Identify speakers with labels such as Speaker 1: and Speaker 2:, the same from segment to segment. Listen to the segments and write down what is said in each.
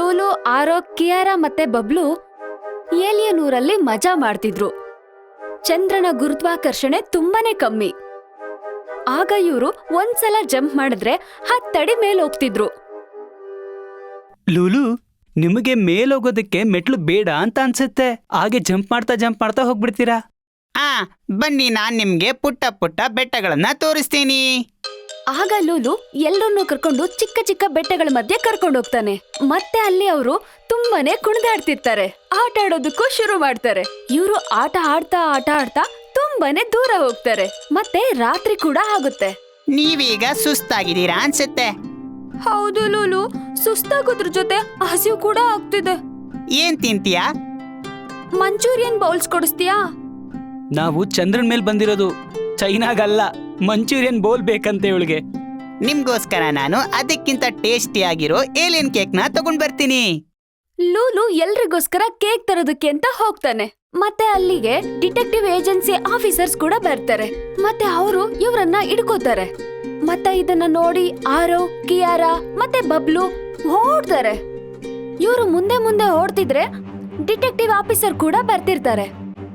Speaker 1: ಲೂಲು, ಆರೋ, ಕಿಯಾರಾ ಮತ್ತೆ ಬಬ್ಲು ಏಲಿಯನ್ ಊರಲ್ಲಿ ಮಜಾ ಮಾಡ್ತಿದ್ರು. ಚಂದ್ರನ ಗುರುತ್ವಾಕರ್ಷಣೆ ತುಂಬಾನೇ ಕಮ್ಮಿ. ಆಗ ಇವರು ಒಂದ್ಸಲ ಜಂಪ್ ಮಾಡಿದ್ರೆ 10 ಅಡಿ ಮೇಲ್ ಹೋಗ್ತಿದ್ರು.
Speaker 2: ಲೂಲು, ನಿಮಗೆ ಮೇಲೋಗೋದಕ್ಕೆ ಮೆಟ್ಲು ಬೇಡ ಅಂತ ಅನ್ಸುತ್ತೆ. ಹಾಗೆ ಜಂಪ್ ಮಾಡ್ತಾ ಹೋಗ್ಬಿಡ್ತೀರಾ.
Speaker 3: ಬನ್ನಿ, ನಾನ್ ನಿಮ್ಗೆ ಪುಟ್ಟ ಪುಟ್ಟ ಬೆಟ್ಟಗಳನ್ನ ತೋರಿಸ್ತೀನಿ.
Speaker 1: ಆಗ ಲೂಲು ಎಲ್ಲರನ್ನೂ ಕರ್ಕೊಂಡು ಚಿಕ್ಕ ಚಿಕ್ಕ ಬೆಟ್ಟಗಳ ಮಧ್ಯೆ ಕರ್ಕೊಂಡು ಹೋಗ್ತಾನೆ. ಮತ್ತೆ ಅಲ್ಲಿ ಅವರು ತುಂಬಾನೇ ಕುಣಿದಾಡ್ತಿರ್ತಾರೆ. ಆಟ ಆಡೋದಕ್ಕೂ ಶುರು ಮಾಡ್ತಾರೆ. ಇವರು ಆಟ ಆಡ್ತಾ ತುಂಬಾನೇ ದೂರ ಹೋಗ್ತಾರೆ. ಮತ್ತೆ ರಾತ್ರಿ ಕೂಡ ಆಗುತ್ತೆ.
Speaker 3: ನೀವೀಗ ಸುಸ್ತಾಗಿದ್ದೀರಾ ಅನ್ಸುತ್ತೆ.
Speaker 1: ಹೌದು ಲೂಲು, ಸುಸ್ತಾಗೋದ್ರ ಜೊತೆ ಹಸಿವು ಕೂಡ ಆಗ್ತಿದೆ.
Speaker 3: ಏನ್ ತಿಂತೀಯಾ?
Speaker 1: Manchurian bowls ಕೊಡಿಸ್ತೀಯಾ?
Speaker 2: ನಾವು ಚಂದ್ರನ್ ಮೇಲ್ ಬಂದಿರೋದು, ಚೈನಾಗಲ್ಲ. ಮಂಚೂರಿಯನ್ ಬೋಲ್ ಬೇಕಂತೆ ಇವಳಿಗೆ.
Speaker 3: ನಿಮ್ಗೋಸ್ಕರ ನಾನು ಅದಕ್ಕಿಂತ ಟೇಸ್ಟಿ ಆಗಿರೋ ಏಲಿಯನ್ ಕೇಕ್ನ ತಗೊಂಡ್ ಬರ್ತೀನಿ.
Speaker 1: ಲೂಲು ಎಲ್ರಿಗೋಸ್ಕರ ಕೇಕ್ ತರೋದಕ್ಕೆ ಅಂತ ಹೋಗ್ತಾನೆ. ಮತ್ತೆ ಅಲ್ಲಿಗೆ ಡಿಟೆಕ್ಟಿವ್ ಏಜೆನ್ಸಿ ಆಫೀಸರ್ಸ್ ಕೂಡ ಬರ್ತಾರೆ. ಮತ್ತೆ ಅವರು ಇವ್ರನ್ನ ಹಿಡ್ಕೋತಾರೆ. ಮತ್ತೆ ಇದನ್ನ ನೋಡಿ ಆರೋ, ಕಿಯಾರಾ ಮತ್ತೆ ಬಬ್ಲು ಓಡ್ತಾರೆ. ಇವರು ಮುಂದೆ ಓಡ್ತಿದ್ರೆ ಡಿಟೆಕ್ಟಿವ್ ಆಫೀಸರ್ ಕೂಡ ಬರ್ತಿರ್ತಾರೆ.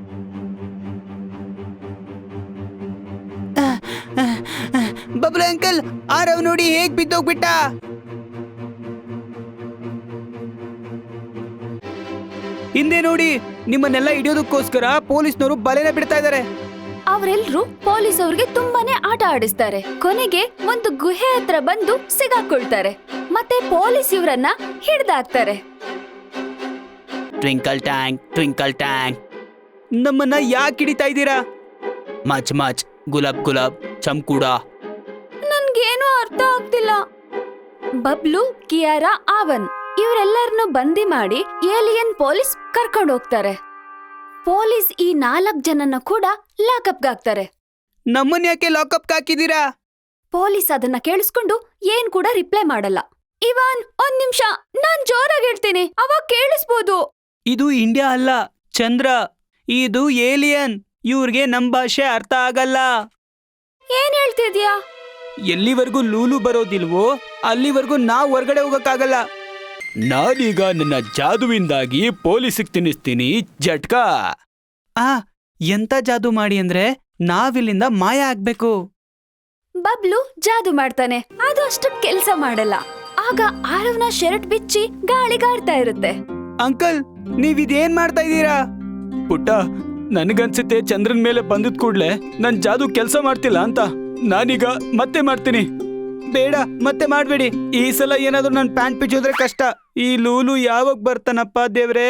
Speaker 3: ಬಬ್ಲು ಅಂಕಲ್, ಆರವ್ ನೋಡಿ ಹೇಗ್ ಬಿದ್ದೋಗ್ಬಿಟ್ಟ.
Speaker 2: ಹಿಂದೆ ನೋಡಿ, ನಿಮ್ಮನ್ನೆಲ್ಲ ಹಿಡಿಯೋದಕ್ಕೋಸ್ಕರ ಪೊಲೀಸ್ನವರು ಬಲೆನ ಬಿಡ್ತಾ ಇದ್ದಾರೆ.
Speaker 1: ಅವರೆಲ್ಲರೂ ಪೊಲೀಸ್ ಅವ್ರಿಗೆ ತುಂಬಾನೇ ಆಟ ಆಡಿಸ್ತಾರೆ. ಕೊನೆಗೆ ಒಂದು ಗುಹೆ ಹತ್ರ ಬಂದು ಸಿಗಾಕೊಳ್ತಾರೆ. ಮತ್ತೆ ಪೊಲೀಸ್ ಇವರನ್ನ ಹಿಡ್ದಾಕ್ತಾರೆ.
Speaker 3: ಟ್ವಿಂಕಲ್ ಟ್ಯಾಂಕ್,
Speaker 2: ನಮ್ಮನ್ನ ಯಾಕೆ ಹಿಡಿತಾ ಇದ್ದೀರಾ?
Speaker 3: ಮಚ್ ಗುಲಾಬ್ ಚಮ್ಕೂಡ.
Speaker 1: ನನ್ಗೇನು ಅರ್ಥ ಆಗ್ತಿಲ್ಲ. ಬಬ್ಲು, ಕಿಯಾರಾ, ಆವನ್ ಇವರೆಲ್ಲರನ್ನು ಬಂದಿ ಮಾಡಿ ಏಲಿಯನ್ ಪೊಲೀಸ್ ಕರ್ಕೊಂಡು ಹೋಗ್ತಾರೆ. ಪೊಲೀಸ್ ಈ 4 ಜನನ್ನ ಕೂಡ ಲಾಕಪ್ಗೆ ಹಾಕ್ತಾರೆ.
Speaker 2: ನಮ್ಮನ್ನ ಯಾಕೆ ಲಾಕಪ್ಗೆ ಹಾಕಿದೀರಾ?
Speaker 1: ಪೊಲೀಸ್ ಅದನ್ನ ಕೇಳಿಸ್ಕೊಂಡು ಏನ್ ಕೂಡ ರಿಪ್ಲೈ ಮಾಡಲ್ಲ. ಇವಾನ್, ಒಂದ್ ನಿಮಿಷ, ನಾನ್ ಜೋರಾಗಿ ಹೇಳ್ತೀನಿ, ಅವಾಗ ಕೇಳಿಸ್ಬೋದು.
Speaker 2: ಇದು ಇಂಡಿಯಾ ಅಲ್ಲ, ಚಂದ್ರ. ಇದು ಏಲಿಯನ್. ಇವ್ರಿಗೆ ನಮ್ ಭಾಷೆ ಅರ್ಥ ಆಗಲ್ಲ.
Speaker 1: ಏನ್ ಹೇಳ್ತಿದ್ಯಾ?
Speaker 2: ಎಲ್ಲಿವರೆಗೂ ಲೂಲು ಬರೋದಿಲ್ವೋ ಅಲ್ಲಿವರೆಗೂ ನಾವ್ ಹೊರಗಡೆ ಹೋಗಕ್ಕಾಗಲ್ಲ. ನಾನೀಗ ನನ್ನ ಜಾದುವಿಂದಾಗಿ ಪೊಲೀಸಿಗೆ ತಿನ್ನಿಸ್ತೀನಿ ಜಟ್ಕಾ. ಎಂತ ಜಾದು ಮಾಡಿ ಅಂದ್ರೆ ನಾವಿಲ್ಲಿಂದ ಮಾಯ ಆಗ್ಬೇಕು.
Speaker 1: ಬಬ್ಲು ಜಾದು ಮಾಡ್ತಾನೆ. ಅದು ಅಷ್ಟು ಕೆಲ್ಸ ಮಾಡಲ್ಲ. ಆಗ ಆರವ್ನ ಶರ್ಟ್ ಬಿಚ್ಚಿ ಗಾಳಿಗಾಡ್ತಾ ಇರುತ್ತೆ.
Speaker 2: ಅಂಕಲ್, ನೀವಿದೇನ್ ಮಾಡ್ತಾ ಇದ್ದೀರಾ? ಪುಟ್ಟ, ನನಗನ್ಸುತ್ತೆ ಚಂದ್ರನ್ ಮೇಲೆ ಬಂದಿದ್ ಕೂಡ್ಲೆ ನನ್ ಜಾದು ಕೆಲ್ಸ ಮಾಡ್ತಿಲ್ಲ ಅಂತ. ನಾನೀಗ ಮತ್ತೆ ಮಾಡ್ತೀನಿ. ಬೇಡ, ಮತ್ತೆ ಮಾಡ್ಬೇಡಿ. ಈ ಸಲ ಏನಾದ್ರೂ ನನ್ ಪ್ಯಾಂಟ್ ಬಿಚ್ಚೋದ್ರೆ ಕಷ್ಟ. ಈ ಲೂಲು ಯಾವಾಗ ಬರ್ತಾನಪ್ಪ ದೇವ್ರೇ?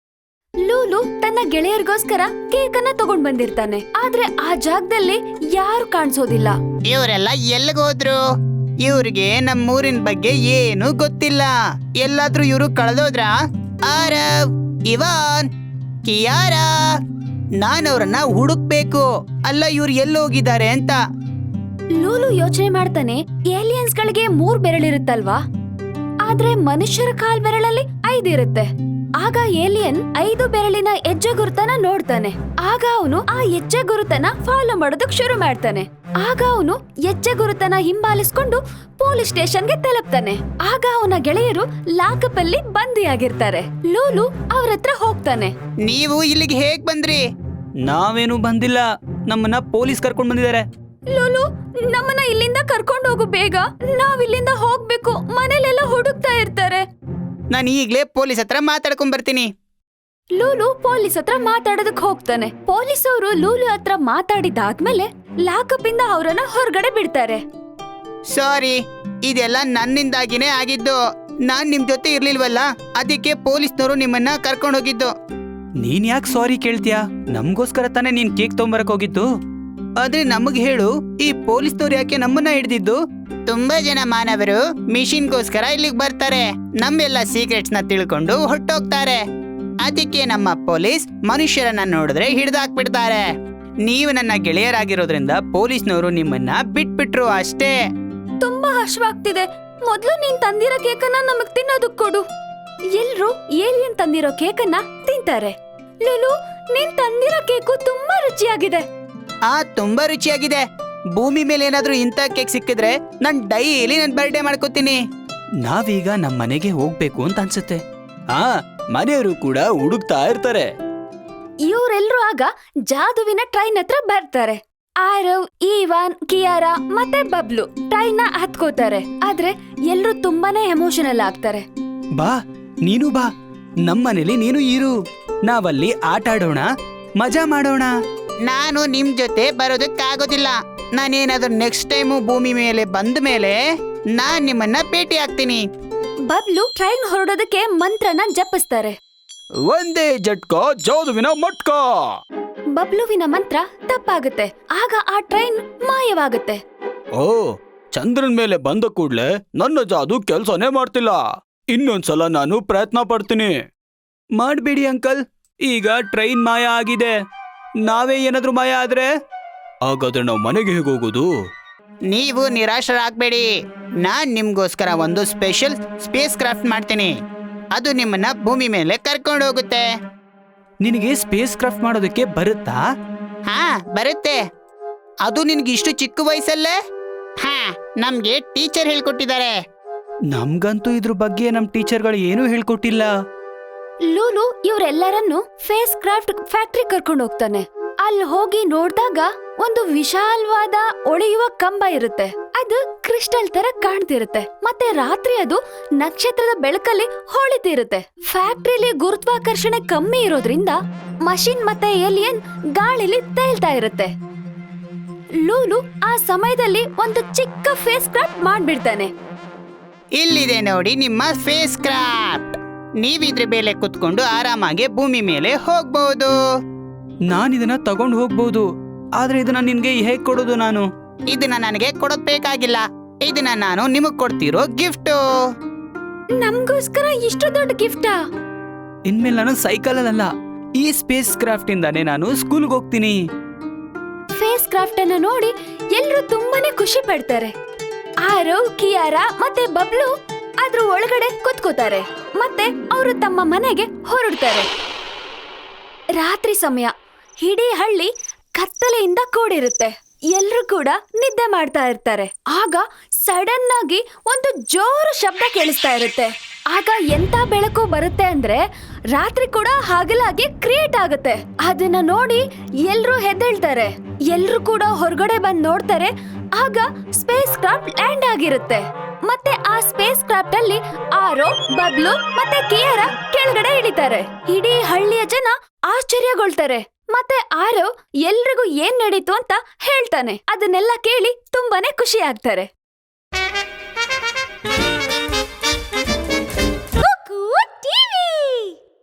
Speaker 1: ಲೂಲು ತನ್ನ ಗೆಳೆಯರಿಗೋಸ್ಕರ ಕೇಕ್ ಅನ್ನ ತಗೊಂಡ್ ಬಂದಿರ್ತಾನೆ. ಆದ್ರೆ ಆ ಜಾಗದಲ್ಲಿ ಯಾರು ಕಾಣಿಸೋದಿಲ್ಲ.
Speaker 3: ಇವರೆಲ್ಲ ಎಲ್ಲಿಗೋದ್ರು? ಇವ್ರಿಗೆ ನಮ್ಮೂರಿನ ಬಗ್ಗೆ ಏನು ಗೊತ್ತಿಲ್ಲ. ಎಲ್ಲಾದ್ರೂ ಇವರು ಕಳೆದೋದ್ರ? ಆರವ್, ಇವಾನ್, ಕಿಯಾರಾ, ನಾನವ್ರನ್ನ ಹುಡುಕ್ಬೇಕು. ಅಲ್ಲ, ಇವ್ರು ಎಲ್ಲೋಗಿದ್ದಾರೆ ಅಂತ.
Speaker 1: ಲೂಲು ಯೋಚನೆ ಮಾಡ್ತಾನೆ, ಏಲಿಯನ್ಸ್ ಗಳಿಗೆ 3 ಬೆರಳಿರುತ್ತಲ್ವಾ, ಆದ್ರೆ ಮನುಷ್ಯರ ಕಾಲ್ ಬೆರಳಲ್ಲಿ 5 ಇರುತ್ತೆ. ಆಗ ಏಲಿಯನ್ 5 ಬೆರಳಿನ ಹೆಜ್ಜೆ ಗುರುತನ ನೋಡ್ತಾನೆ. ಆಗ ಅವನು ಆ ಹೆಜ್ಜೆ ಗುರುತನ ಫಾಲೋ ಮಾಡೋದಕ್ ಶುರು ಮಾಡ್ತಾನೆ. ಆಗ ಅವನು ಹೆಜ್ಜೆ ಗುರುತನ ಹಿಂಬಾಲಿಸ್ಕೊಂಡು ಪೊಲೀಸ್ ಸ್ಟೇಷನ್ಗೆ ತಲುಪ್ತಾನೆ. ಆಗ ಅವನ ಗೆಳೆಯರು ಲಾಕಪ್ ಅಲ್ಲಿ ಬಂದಿಯಾಗಿರ್ತಾರೆ. ಲೂಲು ಅವ್ರ ಹತ್ರ ಹೋಗ್ತಾನೆ.
Speaker 3: ನೀವು ಇಲ್ಲಿಗೆ ಹೇಗ್ ಬಂದ್ರಿ?
Speaker 2: ನಾವೇನು ಬಂದಿಲ್ಲ, ನಮ್ಮನ್ನ ಪೊಲೀಸ್ ಕರ್ಕೊಂಡ್ ಬಂದಿದ್ದಾರೆ.
Speaker 1: ಲೂಲು, ನಮ್ಮನ್ನ ಇಲ್ಲಿಂದ ಕರ್ಕೊಂಡು ಹೋಗು ಬೇಗ. ನಾವ್ ಇಲ್ಲಿಂದ ಹೋಗ್ಬೇಕು. ಮನೇಲೆಲ್ಲ ಹುಡುಕ್ತಾ ಇರ್ತಾರೆ.
Speaker 3: ನಾನು ಈಗ್ಲೇ ಪೊಲೀಸ್ ಹತ್ರ ಮಾತಾಡ್ಕೊಂಡ್ ಬರ್ತೀನಿ.
Speaker 1: ಲೂಲು ಪೊಲೀಸ್ ಹತ್ರ ಮಾತಾಡೋದಕ್ ಹೋಗ್ತಾನೆ. ಪೊಲೀಸ್ ಅವರು ಲೂಲು ಹತ್ರ ಮಾತಾಡಿದಾದ್ಮೇಲೆ ಲಾಕಪ್ ಇಂದ ಅವರನ್ನ ಹೊರಗಡೆ ಬಿಡ್ತಾರೆ.
Speaker 3: ಸಾರಿ, ಇದೆಲ್ಲ ನನ್ನಿಂದಾಗಿನೇ ಆಗಿದ್ದು. ನಾನ್ ನಿಮ್ ಜೊತೆ ಇರ್ಲಿಲ್ವಲ್ಲ, ಅದಕ್ಕೆ ಪೊಲೀಸ್ನವರು ನಿಮ್ಮನ್ನ ಕರ್ಕೊಂಡು ಹೋಗಿದ್ದು.
Speaker 2: ನೀನ್ ಯಾಕೆ ಸಾರಿ ಕೇಳ್ತೀಯಾ? ನಮ್ಗೋಸ್ಕರ ತಾನೇ ನೀನ್ ಕೇಕ್ ತಗೊಂಬರಕ್ ಹೋಗಿದ್ದು.
Speaker 3: ಆದ್ರೆ ನಮಗ್ ಹೇಳು, ಈ ಪೊಲೀಸ್ನವ್ರು ಯಾಕೆ ನಮ್ಮನ್ನ ಹಿಡಿದಿದ್ದು? ತುಂಬಾ ಜನ ಮಾನವರು ಮಿಷಿನ್ಗೋಸ್ಕರ ಇಲ್ಲಿಗೆ ಬರ್ತಾರೆ. ನಮ್ಮೆಲ್ಲ ಸೀಕ್ರೆಟ್ಸ್ ನ ತಿಳ್ಕೊಂಡು ಹೊಟ್ಟೋಗ್ತಾರೆ. ಅದಕ್ಕೆ ನಮ್ಮ ಪೊಲೀಸ್ ಮನುಷ್ಯರನ್ನ ನೋಡಿದ್ರೆ ಹಿಡ್ದಾಕ್ಬಿಡ್ತಾರೆ. ನೀವು ನನ್ನ ಗೆಳೆಯರಾಗಿರೋದ್ರಿಂದ ಪೊಲೀಸ್ನವರು ನಿಮ್ಮನ್ನ ಬಿಟ್ಬಿಟ್ರು ಅಷ್ಟೇ.
Speaker 1: ತುಂಬಾ ಹಶ್ವಾಗ್ತಿದೆ. ಮೊದ್ಲು ನೀನ್ ತಂದಿರೋ ಕೇಕನ್ನ ನಮಗ್ ತಿನ್ನೋದಕ್ ಕೊಡು. ಎಲ್ರು ಏಲಿಯನ್ ತಂದಿರೋ ಕೇಕನ್ನ ತಿಂತಾರೆ. ಲೂಲು, ನೀನ್ ತಂದಿರೋ ಕೇಕು ತುಂಬಾ ರುಚಿಯಾಗಿದೆ.
Speaker 3: ತುಂಬಾ ರುಚಿಯಾಗಿದೆ. ಭೂಮಿ ಮೇಲೆ ಏನಾದ್ರೂ ಇಂಥ ಕೇಕ್ ಸಿಕ್ಕಿದ್ರೆ ನಾನ್ ಡೈಲಿ ನನ್ ಬರ್ಡೇ ಮಾಡ್ಕೋತೀನಿ.
Speaker 2: ನಾವೀಗ ನಮ್ಮ ಮನೆಗೆ ಹೋಗ್ಬೇಕು ಅಂತ ಅನ್ಸುತ್ತೆ. ಹಾ, ಮನೆಯವರು ಕೂಡ ಹುಡುಕ್ತಾ ಇರ್ತಾರೆ.
Speaker 1: ಇವರೆಲ್ರೂ ಆಗ ಜಾದುವಿನ ಟ್ರೈನ್ ಹತ್ರ ಬರ್ತಾರೆ. ಆರವ್, ಈವಾನ್, ಕಿಯಾರಾ ಮತ್ತೆ ಬಬ್ಲು ಟ್ರೈನ್ ನ ಹತ್ಕೋತಾರೆ. ಆದ್ರೆ ಎಲ್ರು ತುಂಬಾನೇ ಎಮೋಷನಲ್ ಆಗ್ತಾರೆ.
Speaker 2: ಬಾ, ನೀನು ಬಾ, ನಮ್ಮನೇಲಿ ನೀನು ಇರು. ನಾವಲ್ಲಿ ಆಟ ಆಡೋಣ, ಮಜಾ ಮಾಡೋಣ.
Speaker 3: ನಾನು ನಿಮ್ ಜೊತೆ ಬರೋದಕ್ಕಾಗೋದಿಲ್ಲ. ನಾನೇನಾದ್ರೂ ನೆಕ್ಸ್ಟ್ ಟೈಮು ಭೂಮಿ ಮೇಲೆ ಬಂದ ಮೇಲೆ ನಾನ್ ನಿಮ್ಮನ್ನ ಭೇಟಿ ಆಗ್ತೀನಿ.
Speaker 1: ಬಬ್ಲು ಟ್ರೈನ್ ಹೊರಡೋದಕ್ಕೆ ಮಂತ್ರನ ಜಪಿಸ್ತಾರೆ.
Speaker 2: ಒಂದೇ ಜಟ್ಕ ಜಾದುವಿನ ಮಟ್ಕ.
Speaker 1: ಬಬ್ಲುವಿನ ಮಂತ್ರ ತಪ್ಪಾಗುತ್ತೆ. ಆಗ ಆ ಟ್ರೈನ್ ಮಾಯವಾಗುತ್ತೆ.
Speaker 2: ಓ, ಚಂದ್ರನ್ ಮೇಲೆ ಬಂದ ಕೂಡ್ಲೆ ನನ್ನ ಜಾದು ಕೆಲ್ಸನೇ ಮಾಡ್ತಿಲ್ಲ. ಇನ್ನೊಂದ್ಸಲ ನಾನು ಪ್ರಯತ್ನ ಪಡ್ತೀನಿ. ಮಾಡ್ಬೇಡಿ ಅಂಕಲ್, ಈಗ ಟ್ರೈನ್ ಮಾಯ ಆಗಿದೆ. ನಾವೇ ಏನಾದ್ರೂ ಮಾಯ ಆದ್ರೆ ಹಾಗಾದ್ರೆ ನಾವು ಮನೆಗೆ ಹೇಗೆ ಹೋಗೋದು?
Speaker 3: ನೀವು ನಿರಾಶರಾಗ್ಬೇಡಿ. ನಾನ್ ನಿಮ್ಗೋಸ್ಕರ ಒಂದು ಸ್ಪೆಷಲ್ ಸ್ಪೇಸ್ ಕ್ರಾಫ್ಟ್ ಮಾಡ್ತೀನಿ. ಅದು ನಿಮ್ಮನ್ನ ಭೂಮಿ ಮೇಲೆ ಕರ್ಕೊಂಡು ಹೋಗುತ್ತೆ.
Speaker 2: ನಿನಗೆ ಸ್ಪೇಸ್ ಕ್ರಾಫ್ಟ್ ಮಾಡೋದಕ್ಕೆ ಬರುತ್ತಾ?
Speaker 3: ಹಾ, ಬರುತ್ತೆ. ಅದು ನಿನ್ಗೆ ಇಷ್ಟು ಚಿಕ್ಕ ವಯಸ್ಸಲ್ಲೇ? ಹಾ, ನಮ್ಗೆ ಟೀಚರ್ ಹೇಳ್ಕೊಟ್ಟಿದ್ದಾರೆ.
Speaker 2: ನಮ್ಗಂತೂ ಇದ್ರ ಬಗ್ಗೆ ನಮ್ ಟೀಚರ್ಗಳು ಏನೂ ಹೇಳ್ಕೊಟ್ಟಿಲ್ಲ.
Speaker 1: ಲೂಲು ಇವರೆಲ್ಲರನ್ನು ಫೇಸ್ ಕ್ರಾಫ್ಟ್ ಫ್ಯಾಕ್ಟ್ರಿ ಕರ್ಕೊಂಡು ಹೋಗ್ತಾನೆ. ಅಲ್ಲಿ ಹೋಗಿ ನೋಡ್ದಾಗ ಒಂದು ವಿಶಾಲವಾದ ಒಳೆಯುವ ಕಂಬ ಇರುತ್ತೆ. ಅದು ಕ್ರಿಸ್ಟಲ್ ತರ ಕಾಣ್ತಿರುತ್ತೆ. ಮತ್ತೆ ರಾತ್ರಿ ಅದು ನಕ್ಷತ್ರದ ಬೆಳಕಲ್ಲಿ ಹೊಳಿತಿರುತ್ತೆ. ಫ್ಯಾಕ್ಟ್ರಿಲಿ ಗುರುತ್ವಾಕರ್ಷಣೆ ಕಮ್ಮಿ ಇರೋದ್ರಿಂದ ಮಷಿನ್ ಮತ್ತೆ ಏಲಿಯನ್ ಗಾಳಿಲಿ ತೇಲ್ತಾ ಇರುತ್ತೆ. ಲೂಲು ಆ ಸಮಯದಲ್ಲಿ ಒಂದು ಚಿಕ್ಕ ಫೇಸ್ ಕ್ರಾಫ್ಟ್ ಮಾಡ್ಬಿಡ್ತಾನೆ.
Speaker 3: ಇಲ್ಲಿದೆ ನೋಡಿ ನಿಮ್ಮ ಫೇಸ್ ಕ್ರಾಫ್ಟ್. ನೀವಿದ್ರ ಮೇಲೆ ಕುತ್ಕೊಂಡು ಆರಾಮಾಗಿ ಭೂಮಿ ಮೇಲೆ ಹೋಗ್ಬಹುದು.
Speaker 2: ನಾನಿದನ್ನ ತಗೊಂಡು ಹೋಗ್ಬೋದು, ಆದ್ರೆ ಇದನ್ನ ನಿನ್ಗೆ ಹೇಗ್ ಕೊಡೋದು ನಾನು?
Speaker 3: ಇದನ್ನ ನನಗೆ ಕೊಡೋದ್ ಬೇಕಾಗಿಲ್ಲ. ಇದನ್ನ ನಾನು ನಿಮಗ್ ಕೊಡ್ತಿರೋ ಗಿಫ್ಟು.
Speaker 1: ನಮ್ಗೋಸ್ಕರ ಇಷ್ಟು ದೊಡ್ಡ ಗಿಫ್ಟಾ?
Speaker 2: ಇನ್ಮೇಲೆ ನಾನು ಸೈಕಲ್ ಅಲ್ಲ, ಈ ಸ್ಪೇಸ್ ಕ್ರಾಫ್ಟ್ ಇಂದಾನೆ ನಾನು ಸ್ಕೂಲ್ಗೆ ಹೋಗ್ತೀನಿ.
Speaker 1: ಫೇಸ್ ಕ್ರಾಫ್ಟ್ ಅನ್ನು ನೋಡಿ ಎಲ್ರು ತುಂಬಾನೇ ಖುಷಿ ಪಡ್ತಾರೆ. ಆರವ್, ಕಿಯಾರಾ ಮತ್ತೆ ಬಬ್ಲು ಅದ್ರ ಒಳಗಡೆ ಕುತ್ಕೋತಾರೆ. ಮತ್ತೆ ಅವರು ತಮ್ಮ ಮನೆಗೆ ಹೊರಡ್ತಾರೆ. ರಾತ್ರಿ ಸಮಯ. ಇಡೀ ಹಳ್ಳಿ ಕತ್ತಲೆಯಿಂದ ಕೂಡಿರುತ್ತೆ. ಎಲ್ರು ಕೂಡ ನಿದ್ದೆ ಮಾಡ್ತಾ ಇರ್ತಾರೆ. ಆಗ ಸಡನ್ ಆಗಿ ಒಂದು ಜೋರು ಶಬ್ದ ಕೇಳಿಸ್ತಾ ಇರುತ್ತೆ. ಆಗ ಎಂತ ಬೆಳಕು ಬರುತ್ತೆ ಅಂದ್ರೆ ರಾತ್ರಿ ಕೂಡ ಹಗಲಾಗಿ ಕ್ರಿಯೇಟ್ ಆಗುತ್ತೆ. ಅದನ್ನ ನೋಡಿ ಎಲ್ರು ಹೆದ್ದೇಳ್ತಾರೆ. ಎಲ್ರು ಕೂಡ ಹೊರಗಡೆ ಬಂದ್ ನೋಡ್ತಾರೆ. ಆಗ ಸ್ಪೇಸ್ ಕ್ರಾಫ್ಟ್ ಲ್ಯಾಂಡ್ ಆಗಿರುತ್ತೆ. ಮತ್ತೆ ಆ ಸ್ಪೇಸ್ ಕ್ರಾಫ್ಟ್ ಅಲ್ಲಿ ಆರೋ, ಬಬ್ಲು ಮತ್ತೆ ಕಿಯಾರಾ ಕೆಳಗಡೆ ಇಳಿತಾರೆ. ಇಡೀ ಹಳ್ಳಿಯ ಜನ ಆಶ್ಚರ್ಯಗೊಳ್ತಾರೆ. ಮತ್ತೆ ಆರೋ ಎಲ್ರಿಗೂ ಏನ್ ನಡೀತು ಅಂತ ಹೇಳ್ತಾನೆ. ಅದನ್ನೆಲ್ಲ ಕೇಳಿ ತುಂಬಾನೇ ಖುಷಿ ಆಗ್ತಾರೆ.